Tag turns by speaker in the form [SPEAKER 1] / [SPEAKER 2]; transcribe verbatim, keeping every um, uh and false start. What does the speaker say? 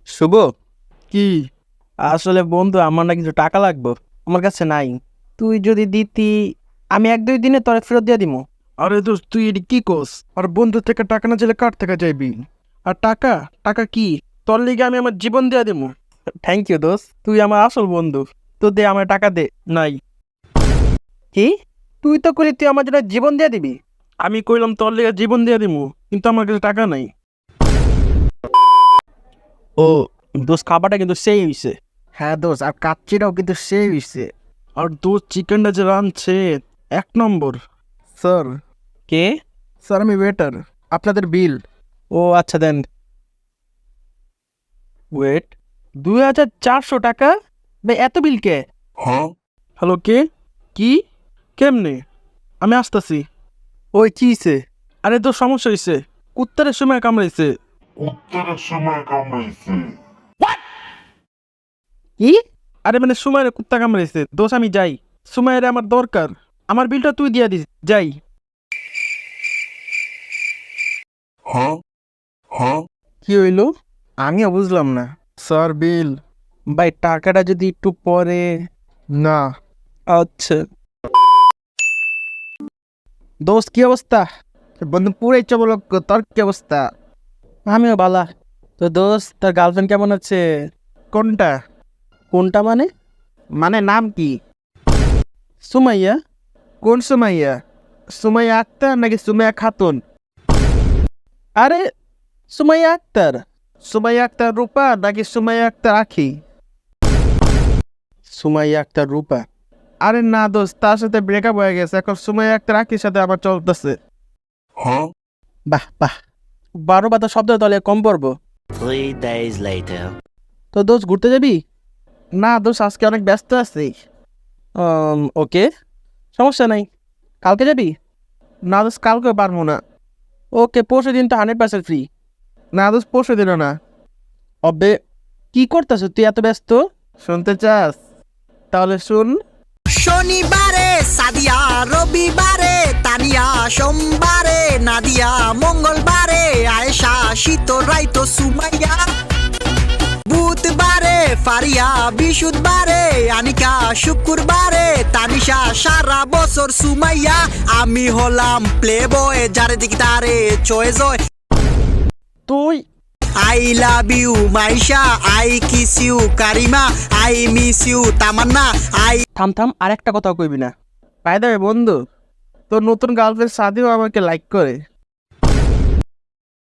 [SPEAKER 1] শুভ,
[SPEAKER 2] কি?
[SPEAKER 1] আসলে বন্ধু আমার না কিছু টাকা লাগবে, আমার কাছে নাই। তুই যদি দিতি, আমি এক দুই দিনে তোরে ফেরত দিয়ে দিমু।
[SPEAKER 2] আরে দোস্ত, তুই এটি কি কোস? আর বন্ধু থেকে টাকা না চাইলে কার থেকে চাইবি? আর টাকা টাকা কি? তোর লিগে আমি আমার জীবন দিয়ে দেবো।
[SPEAKER 1] থ্যাংক ইউ দোস্ত, তুই আমার আসল বন্ধু। তো দে, আমার টাকা দে।
[SPEAKER 2] নাই।
[SPEAKER 1] কি? তুই তো করি তুই আমার জন্য জীবন দিয়ে দিবি।
[SPEAKER 2] আমি কইলাম তোর লিগে জীবন দিয়ে দিবো, কিন্তু আমার কাছে টাকা নাই।
[SPEAKER 1] ও দোস্ত, খাবারটা কিন্তু সেই হইছে।
[SPEAKER 2] হ্যাঁ দোস্ত, আর কাচ্চিটাও কিন্তু সেই হইছে। আর দোস্ত, চিকেনটা যে রাঁধছে এক নম্বর। স্যার,
[SPEAKER 1] কে?
[SPEAKER 2] স্যার আমি ওয়েটার, আপনাদের বিল।
[SPEAKER 1] ও আচ্ছা, দেন। ওয়েট, দুই হাজার চারশো টাকা? ভাই এত বিল কে?
[SPEAKER 2] হ্যালো, কে? কি? কেমনে? আমি আসতেছি।
[SPEAKER 1] ওই চিছে।
[SPEAKER 2] আরে তোর সমস্যা হয়েছে, কুত্তারের সময় কামড়াইছে।
[SPEAKER 3] উত্তরের সময় কামড়াইছে।
[SPEAKER 1] কি?
[SPEAKER 2] আরে মানে সুমাইরে কুত্তা কামড়াইছে দোষ, আমি যাই। সুমাইরে আমার দরকার, আমার বিলটা তুই দিয়া দিস, যাই।
[SPEAKER 3] হ্যাঁ হ্যাঁ
[SPEAKER 2] কি হইলো? আমিও বুঝলাম না। Sir bill.
[SPEAKER 1] ভাই টাকাটা যদি একটু পরে।
[SPEAKER 2] না।
[SPEAKER 1] আচ্ছা। দোস্ত কি অবস্থা?
[SPEAKER 2] বন্ধু পুরাই চবলক, তোর কি অবস্থা?
[SPEAKER 1] আমিও বালা। তো দোস্ত, তার গার্লফ্রেন্ড কেমন আছে?
[SPEAKER 2] কোনটা?
[SPEAKER 1] কোনটা মানে?
[SPEAKER 2] মানে নাম কি?
[SPEAKER 1] সুমাইয়া।
[SPEAKER 2] কোন সুমাইয়া? সুমাইয়া আক্তার নাকি সুমাইয়া খাতুন?
[SPEAKER 1] আরে, সুমাইয়া আক্তার।
[SPEAKER 2] সুমাইয়া আক্তার রূপা নাকি সুমাইয়া আক্তার আখি?
[SPEAKER 1] সুমাইয়া আক্তার রূপা।
[SPEAKER 2] আরে না দোস্ত, তার সাথে ব্রেকআপ হয়ে গেছে, এখন সুমাইয়া আক্তার আখির সাথে আমার চলতেছে।
[SPEAKER 3] হ্যাঁ
[SPEAKER 1] বাহ বাহ, বারো বাতা শব্দ তাহলে কম পড়বো।
[SPEAKER 4] Three days later.
[SPEAKER 1] তো দোস্ত ঘুরতে যাবি?
[SPEAKER 2] না দোস্ত, আজকে অনেক ব্যস্ত আছি।
[SPEAKER 1] আম, ওকে, সমস্যা নাই। কালকে যাবি?
[SPEAKER 2] না দোস্ত, কালকে পারবো না।
[SPEAKER 1] ওকে, পরশু দিন তো হান্ড্রেড পার্সেন্ট ফ্রি।
[SPEAKER 2] না দোস্ত, পরশু দিনও না।
[SPEAKER 1] অবে, কি করতেছ তুই এত ব্যস্ত?
[SPEAKER 2] শুনতে চাস? তাহলে শুন।
[SPEAKER 5] শনিবারে সাদিয়া, রবিবারে তানিয়া, সোমবারে নাদিয়া, মঙ্গলবারে আয়েশা, শীত রাইতো সুমাইয়া, বুধবারে ফারিয়া, বৃহস্পতিবারে আনিকা, শুক্রবারে তানিশা, সারা বছর সুমাইয়া। আমি হলাম প্লে বয়, যারে দিকে তারে চয়ে জয়।
[SPEAKER 1] তুই
[SPEAKER 5] I love you Maisha, I kiss you Karima, I miss you Tamanna, I
[SPEAKER 1] থাম থাম, আর একটা কথাও কইবি না।
[SPEAKER 2] বাই দ্য ওয়ে বন্ধু, তোর নতুন গার্লফ্রেন্ড সাদিও আমাকে লাইক করে।